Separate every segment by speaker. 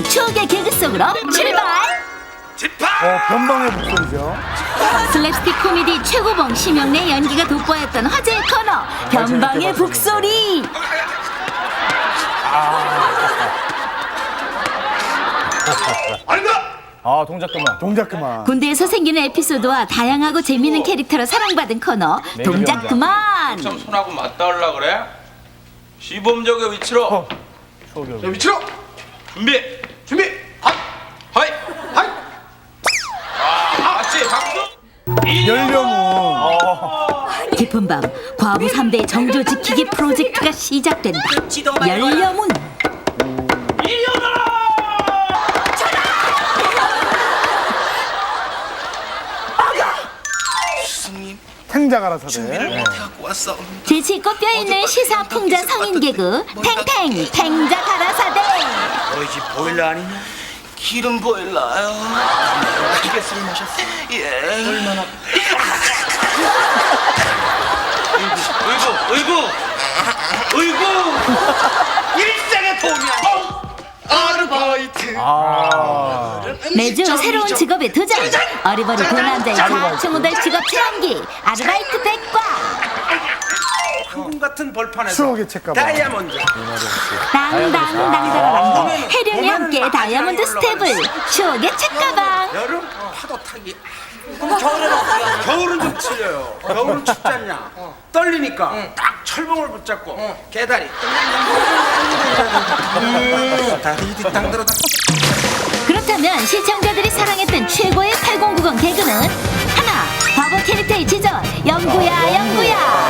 Speaker 1: 추억의 개그 속으로 출발!
Speaker 2: 변방의 목소리죠.
Speaker 1: 슬랩스틱 코미디 최고봉 심영래 연기가 돋보였던 화제의 코너 변방의 북소리.
Speaker 2: 동작 그만. 동작 그만.
Speaker 1: 군대에서 생기는 에피소드와 다양하고 재미있는 캐릭터로 사랑받은 코너 동작 그만.
Speaker 3: 참 손하고 맞닿으려 그래? 시범적의 위치로.
Speaker 2: 자,
Speaker 3: 위치로. 준비. 하이. 맞지? 박수.
Speaker 2: 연령은.
Speaker 1: 깊은 밤 과부 3대의 정조 지키기 프로젝트가 시작된다. 열려문.
Speaker 2: 탱자 가라사대.
Speaker 1: 재치 있고 뼈있는 시사풍자 성인 개그 탱탱 탱자 가라사대.
Speaker 4: 너희 집 보일러 아니냐? 기름 보일러요. 기계술 마셨어? 예. 얼마나? 의구. 일생의 도움이 아르바이트.
Speaker 1: 매주 새로운 직업에 도전. 어리버리 두 남자의 좌충우돌 직업 체험기 아르바이트 백과.
Speaker 4: 황금 같은 벌판에서
Speaker 2: 추억의 책가방.
Speaker 4: 다이아몬드.
Speaker 1: 당당당당당 해령이 함께 다이아몬드 스텝을 추억의 책가방.
Speaker 4: 여름 파도 타기. 그럼 겨울은 좀 틀려요. 겨울은 춥지 않냐? 떨리니까 딱 철봉을 붙잡고 개다리. 다리 뒤땅 들어.
Speaker 1: 그렇다면 시청자들이 사랑했던 최고의 8090 개그는 하나 바보 캐릭터의 지전 영구야.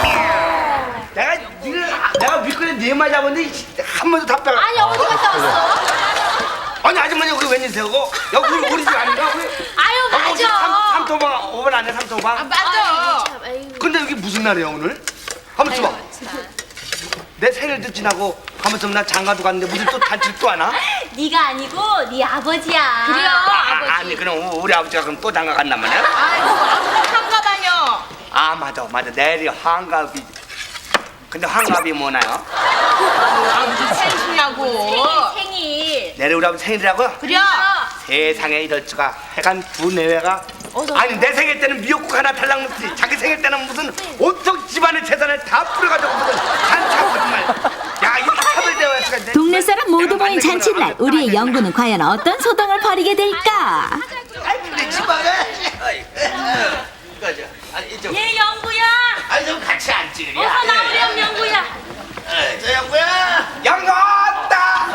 Speaker 4: 내가 미끄러 네마 잡았는데 한 번도 답변.
Speaker 5: 아니 어디 갔다 왔어?
Speaker 4: 아니 아줌마님 우리 웬일세요? 여기 우리 집 아닌가?
Speaker 5: 아유 맞아.
Speaker 4: 삼토방 5번 안 해? 삼토방?
Speaker 5: 맞아.
Speaker 4: 근데 여기 무슨 날이야 오늘? 한번 좀 봐. 내 생일도 지나고 한번 좀 나 장가도 갔는데 무슨 또 단칠 또 하나?
Speaker 5: 네가 아니고 네 아버지야. 그래요. 아버지.
Speaker 4: 아니 그럼 우리 아버지가 그럼 또 장가 갔단 말이야?
Speaker 5: 아이고 아버지 한가다녀.
Speaker 4: 아 맞아 내일이 환갑이. 근데 환갑이 뭐나요?
Speaker 5: 아버지 생신이라고. 생일.
Speaker 4: 내일 우리 아버지 생일이라고요?
Speaker 5: 그래.
Speaker 4: 세상에 이럴 수가. 하여간 두 내외가 아니 내 생일 때는 미역국 하나 달랑 먹지 자기 생일 때는 무슨 온통 집안의 재산을 다 뿌려가지고 무슨 한차 거짓말. 야 이렇게 차별대화할 수가 있네.
Speaker 1: 동네 사람 모두 모인 잔칫날 우리의 영구는 과연 어떤 소동을 벌이게 될까?
Speaker 4: 아이 근데 집안에 이거죠. 아니 이쪽.
Speaker 5: 얘 영구야.
Speaker 4: 아니 좀 같이 앉지 그래.
Speaker 5: 어서 나오렴 영구야.
Speaker 4: 저 영구야. 영구 왔다.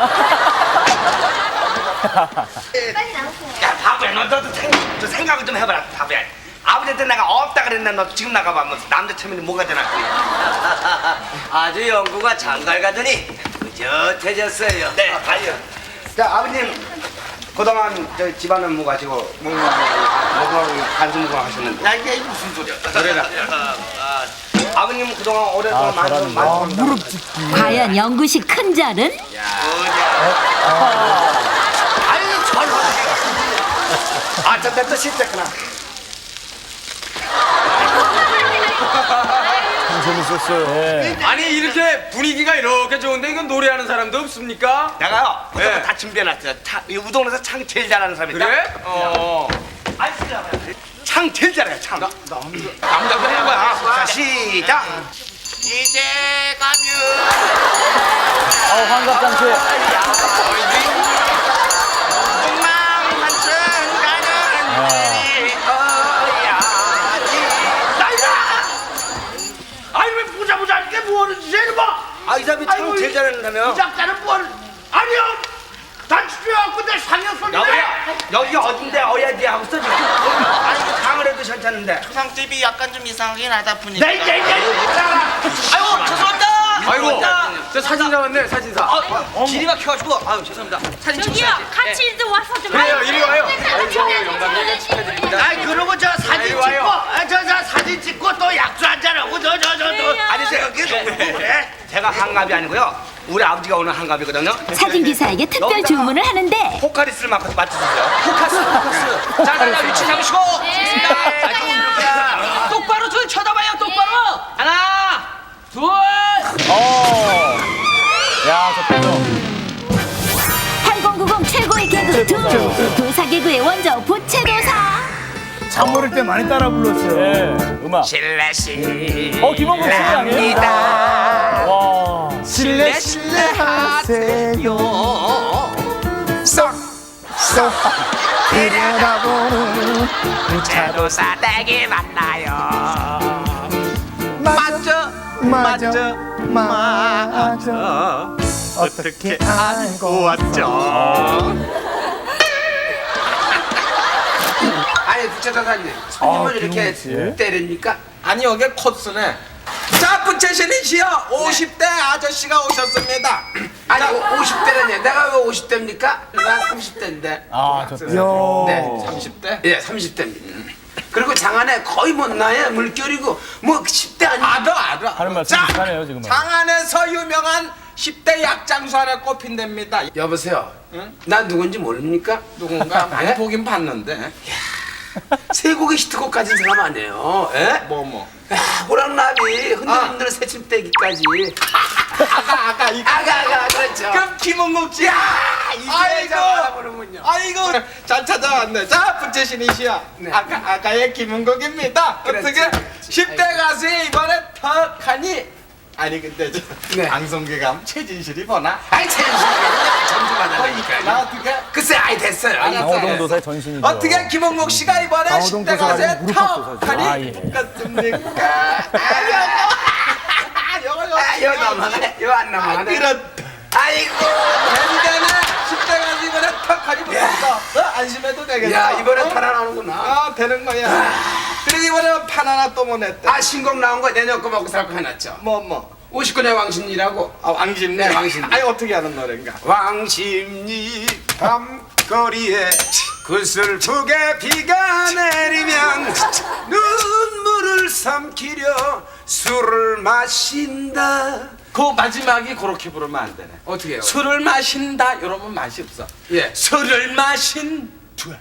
Speaker 5: 빨리 나오세요.
Speaker 4: 야 바보야 너도 생각을 좀 해봐라 바보야. 아버지한테 내가 없다 그랬나 너 지금 나가봐 뭐 남자처럼 뭐가 되나.
Speaker 6: 아주 영구가 장갈 가더니 의젓해졌어요.
Speaker 4: 네 아니요. 자 아버님 그동안 저 집안은 뭐 가지고 뭐하고 간수무강 하셨는데.
Speaker 6: 야 이게 무슨 소리야?
Speaker 4: 그래라. 아버님 그동안 오랫동안 많이
Speaker 2: 무릎 찢기.
Speaker 1: 과연 영구식 큰 절은?
Speaker 4: 아유 저런. 아저때 또 실패구나.
Speaker 2: 재밌었어요.
Speaker 3: 아니 이렇게 분위기가 이렇게 좋은데 이건 노래하는 사람도 없습니까?
Speaker 4: 내가요.
Speaker 3: 네.
Speaker 4: 다 준비해놨어요. 이 우동에서 창 제일 잘하는 사람이 있다.
Speaker 3: 그래?
Speaker 4: 창 제일 잘해요. 창.
Speaker 3: 남자도 하는 거야.
Speaker 4: 자 시작.
Speaker 6: 이제 가면
Speaker 2: 환갑잔치.
Speaker 6: 한층 가는 길이
Speaker 4: 아니 왜 보자 이게 뭐하는 짓이야 이거. 아이 사람이 창 제일 잘하는다며. 이 작자는 뭘? 아니요. 단추려갖고 내 상여손이네. 여기 어딘데 어야지 하고 써 지금. 아니 이거 강을 해도 괜찮은데.
Speaker 6: 초상집이 약간 좀 이상하긴 하다 보니까.
Speaker 4: 네.
Speaker 6: 아이고 죄송합니다.
Speaker 3: 아이고 저 사진사 왔네 사진사.
Speaker 6: 길이 막혀가지고 아유 죄송합니다. 사진
Speaker 5: 저기요
Speaker 6: 찍어야지.
Speaker 5: 같이 좀 와서 좀.
Speaker 3: 그래요 이리 와요.
Speaker 5: 영광이네.
Speaker 3: 축하드립니다.
Speaker 4: 아이 그러고 저 사진
Speaker 3: 이리
Speaker 4: 찍고
Speaker 3: 와요.
Speaker 4: 저 사진 찍고 또 약주 한잔하고 저 아니 제가 그래 제가 한갑이 아니고요 우리 아버지가 오늘 한갑이거든요.
Speaker 1: 사진 기사에게 특별 주문을 하는데
Speaker 4: 포카리스를 맞춰주세요.
Speaker 6: 포커스. 자 위치 잡으시고.
Speaker 7: 똑바로 좀 쳐다봐요 똑바로 하나 둘
Speaker 2: 야, 저 표정.
Speaker 1: 8090 최고의 개그 도사 개그의 원조 부채도사.
Speaker 2: 잠 어릴 때 많이 따라 불렀어요.
Speaker 8: 네, 음악.
Speaker 3: 실례시
Speaker 8: 김원국 씨 아니에요? 와.
Speaker 2: 실례 실례하세요. 쏙쏙 들여다보는
Speaker 3: 부채도사 댁에 만나요.
Speaker 2: 맞아 어떻게 알고 왔죠?
Speaker 4: 아니 부채도사님 손님을 이렇게 때립니까?
Speaker 6: 아니 여기 코스네. 자 부채신이시여 50대 아저씨가 오셨습니다.
Speaker 4: 아니 50대라니 내가 왜 50대입니까? 난 30대인데.
Speaker 8: 아, 좋다.
Speaker 4: 네
Speaker 6: 30대?
Speaker 4: 예 30대입니다. 그리고 장안에 거의 뭐 나의 물결이고 뭐 10대 아니야?
Speaker 6: 알아.
Speaker 8: 하는 말씀
Speaker 6: 자,
Speaker 8: 비슷하네요, 지금은.
Speaker 6: 장안에서 유명한 10대 약장수 안에 꼽힌답니다.
Speaker 4: 여보세요.
Speaker 6: 응?
Speaker 4: 난 누군지 모릅니까?
Speaker 6: 누군가 많이
Speaker 4: 예?
Speaker 6: 보긴 봤는데.
Speaker 4: 세 곡의 히트곡 가진 사람 아니에요. 예?
Speaker 6: 뭐.
Speaker 4: 야, 호랑나비 흔들흔들 새침대기까지.
Speaker 6: 아까 이거.
Speaker 4: 아가 그렇죠.
Speaker 6: 그럼 김은국 씨.
Speaker 4: 야
Speaker 6: 아이고.
Speaker 4: 알아보는군요.
Speaker 6: 아이고 잘 찾아왔네. 자 부채신이시여.
Speaker 4: 네.
Speaker 6: 아까의 김은국입니다.
Speaker 4: 그렇지,
Speaker 6: 어떻게
Speaker 4: 그렇지.
Speaker 6: 10대 가수에 이번에 턱하니? 아니 근데 저
Speaker 4: 네.
Speaker 6: 방송계감 최진실이 보나?
Speaker 4: 아이 최진실이 점수 받아내니까.
Speaker 6: 나 어떻게?
Speaker 4: 글쎄 아이 됐어요.
Speaker 8: 강호동 도사의 전신이죠.
Speaker 6: 어떻게 김은국 씨가 이번에
Speaker 2: 강호동
Speaker 6: 10대 가수에
Speaker 2: 도사가 무릎 팍
Speaker 6: 턱하니?
Speaker 8: 아, 예.
Speaker 6: 같습니까?
Speaker 4: 이거 넘어가네. 이거 안 넘어가네.
Speaker 6: 그렇다.
Speaker 4: 아이고.
Speaker 6: 대전에 10대 가수 이번에 턱하니 붙었어. 안심해도 되겠어.
Speaker 4: 야 이번에 살아나는구나.
Speaker 6: 아 되는 거야. 그리고 이번에 판 하나 또 보냈대.
Speaker 4: 아 신곡 나온 거 내년 거 먹고 살 거 해놨죠.
Speaker 6: 뭐?
Speaker 4: 59년 왕십리라고.
Speaker 6: 아 왕십리.
Speaker 4: 네, 왕십리.
Speaker 6: 아니 어떻게 하는 노래인가?
Speaker 4: 왕십리 밤거리에 구슬프게 비가 내리면 눈물을 삼키려 술을 마신다.
Speaker 6: 그 마지막이 그렇게 부르면 안 되네.
Speaker 4: 어떻게 해요?
Speaker 6: 술을 마신다 이러면 맛이 없어.
Speaker 4: 예.
Speaker 6: 술을 마신 두.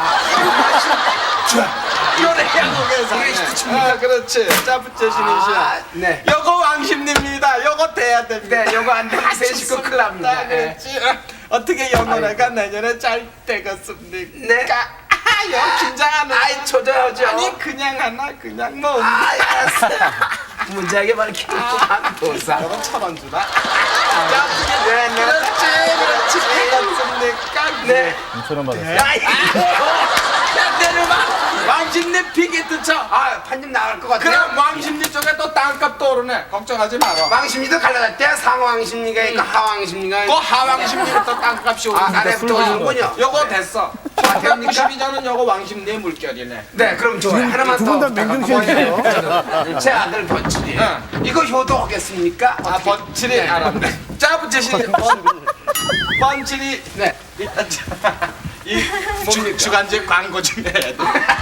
Speaker 6: 요래 한국에서.
Speaker 4: 이게 히트칩니까?
Speaker 6: 아 그렇지. 자 부채신이시야.
Speaker 4: 아, 네.
Speaker 6: 요거 왕십리입니다. 요거 돼야 됩니다.
Speaker 4: 네, 요거 안 되면 새 식구 큰일 납니다.
Speaker 6: 아, 그렇지. 어떻게 요 노래가 내년에 잘 되겠습니까?
Speaker 4: 네.
Speaker 6: 요 긴장하는.
Speaker 4: 아이 초조하죠.
Speaker 6: 아니 그냥 하나 그냥 뭐.
Speaker 4: 아, 알았어요. 문제하게 밝히는구만 도사.
Speaker 6: 이건 1,000원 주나? 자,
Speaker 4: 네, 네.
Speaker 6: 그렇지 되겠습니까?
Speaker 4: 네.
Speaker 8: 2,000원 받았어요.
Speaker 6: 야 내려봐. 왕십리 피게트 쳐.
Speaker 4: 아, 판좀 나갈 것 같아요.
Speaker 6: 그럼 왕십리 쪽에 또 땅값 또 오르네. 걱정하지 마라.
Speaker 4: 왕십리도 갈라졌대요. 상왕십리가 있고 하왕십리가
Speaker 6: 그
Speaker 4: 있고.
Speaker 6: 하왕십리부터 땅값이
Speaker 4: 아,
Speaker 6: 오르네.
Speaker 4: 아래부터 오는군요.
Speaker 6: 요거 됐어.
Speaker 4: 아, 됩니까?
Speaker 6: 1992년은 요거 왕십리의 물결이네.
Speaker 4: 네, 그럼 좋아요. 하나만
Speaker 2: 두
Speaker 4: 더.
Speaker 2: 분 다 맹정신이에요.
Speaker 4: 제 아들 번칠이. 이거 효도하겠습니까?
Speaker 6: 아 번칠이 알았네. 자 부채신 번칠이
Speaker 4: 네.
Speaker 6: 일단 이 주간지 광고 좀 해야 돼.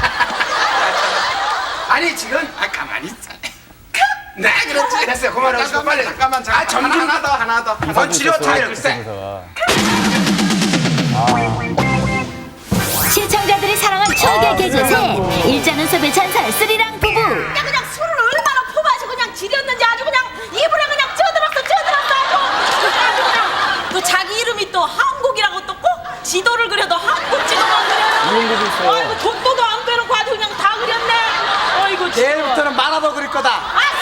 Speaker 4: 아니 지금
Speaker 6: 가만히 있어.
Speaker 4: 네 그렇지 됐어요. 그만하시고 빨리.
Speaker 6: 잠깐만.
Speaker 4: 아 점심
Speaker 6: 하나 더.
Speaker 4: 번칠이 어떻게 해요? 글쎄.
Speaker 1: 시청자들이 사랑한 추억의 개그 셋 일자눈썹의 전설 쓰리랑 부부.
Speaker 5: 그냥 술을 얼마나 퍼마시고 그냥 지렸는지 아주 그냥 이불에 그냥 쪄들었어 아주 그냥 또 자기 이름이 또 한국이라고 또 꼭 지도를 그려도 한국 지도만 그려요.
Speaker 8: 이런 것도 있어요.
Speaker 5: 아이고 돈도도 안 빼놓고 아주 그냥 다 그렸네. 아이고 진짜.
Speaker 6: 내일부터는 만화도 그릴 거다.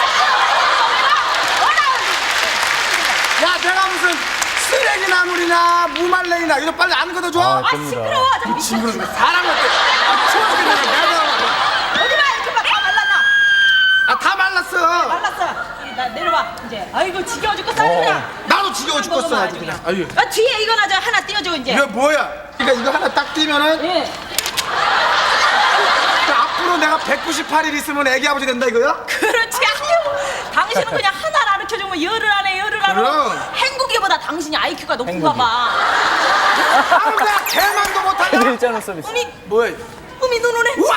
Speaker 4: 야 내가 무슨 쓰레기 나물이나 무말랭이나 이거 빨리 안 걷어줘.
Speaker 8: 아,
Speaker 5: 아
Speaker 8: 됩니다.
Speaker 5: 시끄러워. 저 미친.
Speaker 4: 사람 어때? 추워서 내가
Speaker 5: 어디 봐 이렇게 봐. 다 말랐나?
Speaker 4: 다 말랐어.
Speaker 5: 말랐어. 이리 나 내려봐 이제. 아이고 지겨워 죽겠어 아주 그냥.
Speaker 4: 나도 지겨워 죽겠어
Speaker 5: 먹어봐,
Speaker 4: 아주 그냥. 아유.
Speaker 5: 아, 뒤에 이거나 저 하나 띄워줘 이제.
Speaker 4: 이거 뭐야? 그러니까 이거 하나 딱 띄면은
Speaker 5: 예.
Speaker 4: 그 앞으로 내가 198일 있으면 애기 아버지 된다 이거야?
Speaker 5: 그렇지. 아유, 당신은 그냥 하나를 가르쳐주면 열을 안 해, 열을 안 해.
Speaker 4: 그럼.
Speaker 5: 행복이보다 당신이 IQ가 높은가
Speaker 8: 행복이.
Speaker 5: 봐.
Speaker 4: 아우 내가 개만도 못하냐?
Speaker 8: 일자눈썹 있어.
Speaker 5: 어미,
Speaker 4: 뭐야?
Speaker 5: 어미 눈오네.
Speaker 4: 우와!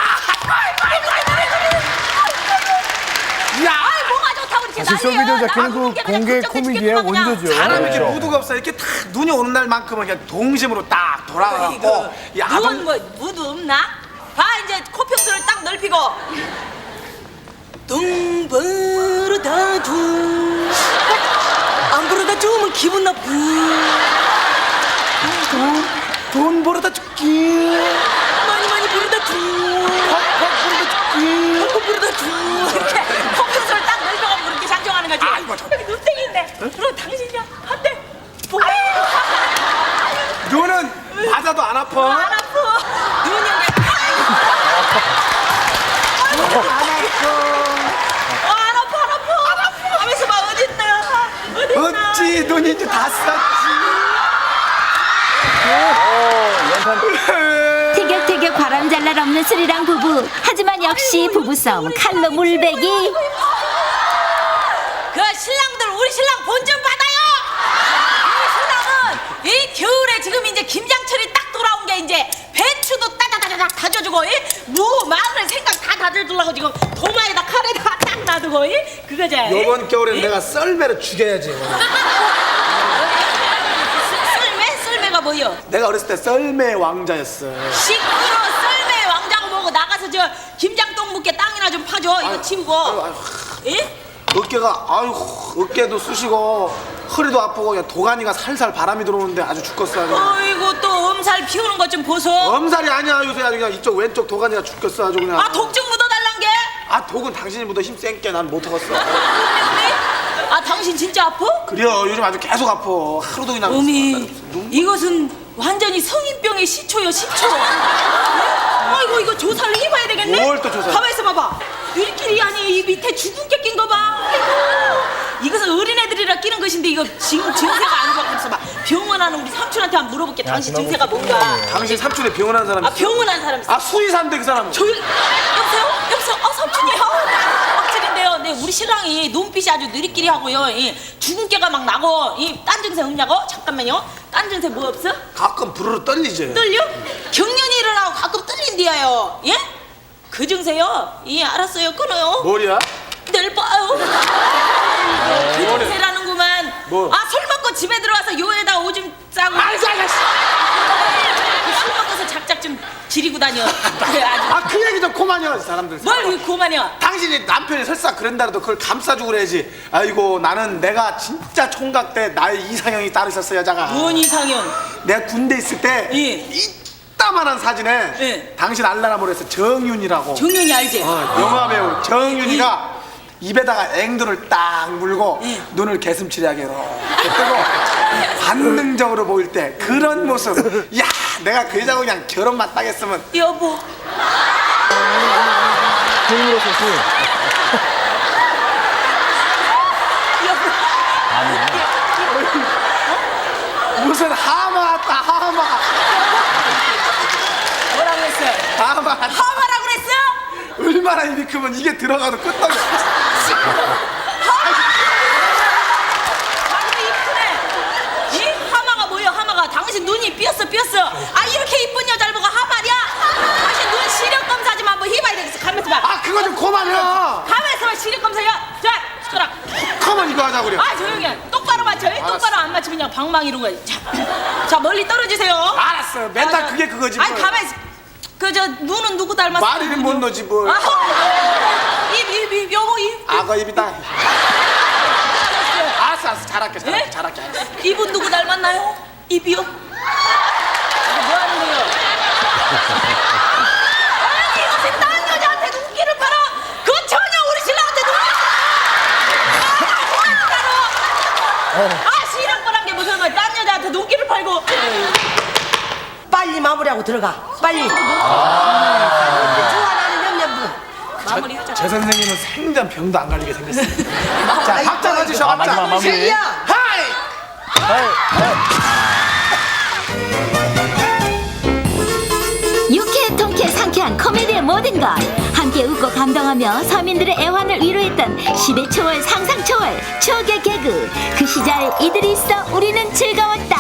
Speaker 4: 야!
Speaker 5: 아이, 뭐가 좋다고 이렇게
Speaker 2: 사실
Speaker 5: 난리야.
Speaker 2: 쇼미더 자켓는 그
Speaker 5: 나하고 그냥
Speaker 2: 공개
Speaker 5: 걱정돼
Speaker 2: 코미디의
Speaker 5: 죽겠구만, 그냥.
Speaker 2: 원조죠.
Speaker 4: 사람 이렇게
Speaker 8: 그렇죠.
Speaker 4: 무드가 없어. 이렇게 딱 눈이 오는 날만큼은 그냥 동심으로 딱 돌아가고 이
Speaker 5: 누운
Speaker 4: 아동
Speaker 5: 뭐 무드 없나? 봐 이제 코평수를 딱 넓히고 둥 부르다 둥안 부르다 둥은 기분 나쁜
Speaker 2: 돈 벌어다 줄게.
Speaker 5: 많이 부르다 주.
Speaker 2: 팍팍 벌어다 줄게.
Speaker 5: 팍팍 부르다 주. 이렇게 콩팥을 딱 넓혀가지고 이렇게 장정하는 거지.
Speaker 2: 아이고, 저-
Speaker 5: 여기 눈땡인데. 그럼 당신이야 한대. 뭐?
Speaker 2: 너는 맞아도 안 아파.
Speaker 5: 안 아파. 눈이 그냥 안 아파. 하면서 막 어딨나.
Speaker 2: 어찌 눈이 이제 다 쌌지.
Speaker 1: 티격태격 바람잘날 없는 스리랑 부부. 하지만 역시 부부싸움 칼로 물베기.
Speaker 5: 그 신랑들 우리 신랑 본 좀 받아요. 우리 신랑은 이 겨울에 지금 이제 김장철이 딱 돌아온 게 이제 배추도 따다다다닥 다져주고 무 마늘 생강 다 다져주려고 지금 도마에다 칼에다 딱 놔두고 그거지.
Speaker 2: 이번 겨울엔 내가 썰매를 죽여야지.
Speaker 5: 썰매가 뭐요?
Speaker 2: 내가 어렸을 때 썰매 왕자였어.
Speaker 5: 시끄러 썰매 왕자고 뭐고 나가서 저 김장동 묵게 땅이나 좀 파줘. 이거 치우고. 예?
Speaker 2: 어깨가 어깨도 쑤시고 허리도 아프고 그냥 도가니가 살살 바람이 들어오는데 아주 죽겠어. 아주.
Speaker 5: 어이구 또 엄살 피우는 것 좀 보소.
Speaker 2: 엄살이 아니야. 요새 아주 그냥 이쪽 왼쪽 도가니가 죽겠어 아주 그냥.
Speaker 5: 아 독 좀 묻어달란 게?
Speaker 2: 아 독은 당신이 묻어 힘 센게 난 못하겠어.
Speaker 5: 아 당신 진짜 아파?
Speaker 2: 그래요. 요즘 아주 계속 아파. 하루도 그냥.
Speaker 5: 어미 이것은 완전히 성인병의 시초요 시초. 아이고 이거 조사를 해봐야 되겠네.
Speaker 2: 뭘 또 조사?
Speaker 5: 가만 있어 봐봐. 일끼리 아니 이 밑에 죽은 게 낀 거 봐. 아이고. 이것은 어린애들이라 끼는 것인데 이거 지금 증세가 안 좋아. 그래서 봐 병원 하는 우리 삼촌한테 한번 물어볼게. 당신 증세가 뭔가.
Speaker 2: 당신 삼촌에 병원한 사람
Speaker 5: 아
Speaker 2: 있어?
Speaker 5: 병원 한 사람 있어.
Speaker 2: 아 수의사인데 그 사람은.
Speaker 5: 조용. 여보세요? 삼촌이요. 빡치긴데요. 네 우리 신랑이 눈빛이 아주 느리끼리 하고요. 이 주근깨가 막 나고 딴 증세 없냐고? 잠깐만요. 딴 증세 뭐 없어?
Speaker 2: 가끔 부르르 떨리지.
Speaker 5: 떨려? 경련이 일어나고 가끔 떨린디야요. 예? 그 증세요? 예 알았어요. 끊어요.
Speaker 2: 뭐야?
Speaker 5: 내일 봐요. 그 증세라는구만.
Speaker 2: 뭐?
Speaker 5: 아 술 먹고 집에 들어와서 요에다 오줌 싸고. 술 먹고서 작작 좀 지리고 다녀. 그래 아주.
Speaker 2: 아 그 얘기 좀 그만이야 사람들.
Speaker 5: 뭘 그만이야.
Speaker 2: 당신이 남편이 설사 그런다라도 그걸 감싸주고 그래야지. 아이고 나는 내가 진짜 총각 때 나의 이상형이 따로 있었어 여자가.
Speaker 5: 뭔 이상형?
Speaker 2: 내가 군대 있을 때
Speaker 5: 예.
Speaker 2: 이따만한 사진에
Speaker 5: 예.
Speaker 2: 당신 알라라모에서 정윤이라고
Speaker 5: 정윤이 알지?
Speaker 2: 영화 배우 정윤이가 입에다가 앵두를 딱 물고
Speaker 5: 예.
Speaker 2: 눈을 개슴츠레하게 이렇게 뜨고 반능적으로 보일 때 그런 모습. 야 내가 그 여자하고 그냥 결혼만 딱 했으면.
Speaker 5: 여보.
Speaker 8: 힘으로 소수.
Speaker 2: 무슨 하마 왔다 하마.
Speaker 5: 뭐라고 했어요?
Speaker 2: 하마.
Speaker 5: 하마라고 그랬어?
Speaker 2: 얼마나 입이 크면 이게 들어가도 끄떡이.
Speaker 5: 아주 이쁘네. 이 하마가 뭐야 하마가? 당신 눈이 삐었어. 아 이렇게 이쁜 여자를 보고 하마냐? 당신 눈 시력 검사 좀 한번 해봐야 되겠어. 가만있어 봐.
Speaker 2: 아 그거 좀 그만해.
Speaker 5: 가만있어 봐. 시력 검사야. 자 숟가락.
Speaker 2: 그만 이거 하자 그래.
Speaker 5: 아 조용히 해. 똑바로 맞춰. 똑바로 안 맞추면 그냥 방망이로 가. 자 멀리 떨어지세요.
Speaker 2: 알았어. 맨날
Speaker 5: 아,
Speaker 2: 그게 그거지.
Speaker 5: 아니
Speaker 2: 뭘.
Speaker 5: 가만히 있어. 그저 눈은 누구 닮았어?
Speaker 2: 말이는 못 넣지 뭘.
Speaker 5: 입 여보 입.
Speaker 2: 악어 입이다. 알았어 잘할게
Speaker 5: 예?
Speaker 2: 잘할게 알았어.
Speaker 5: 입은 누구 닮았나요? 입이요? 이거 뭐 하는 거예요? 아니 이것은 다른 여자한테 눈길을 팔아. 그건 전혀 우리 신랑한테 눈길을 아 신랑거란 게 무슨 말? 딴 여자한테 눈길을 팔고.
Speaker 9: 빨리 마무리하고 들어가. 빨리.
Speaker 5: 아.
Speaker 9: 좋아하는 염려부.
Speaker 5: 마무리하자.
Speaker 2: 제 선생님은 생전 병도 안 걸리게 생겼어요. 자 박자 넣어주셔
Speaker 8: 아, 마지막
Speaker 2: 박자.
Speaker 8: 마무리.
Speaker 9: 셀리야.
Speaker 1: 유쾌 통쾌 상쾌한 코미디의 모든 것 함께 웃고 감동하며 서민들의 애환을 위로했던 10의 초월 상상 초월 추억의 개그 그 시절 이들이 있어 우리는 즐거웠다.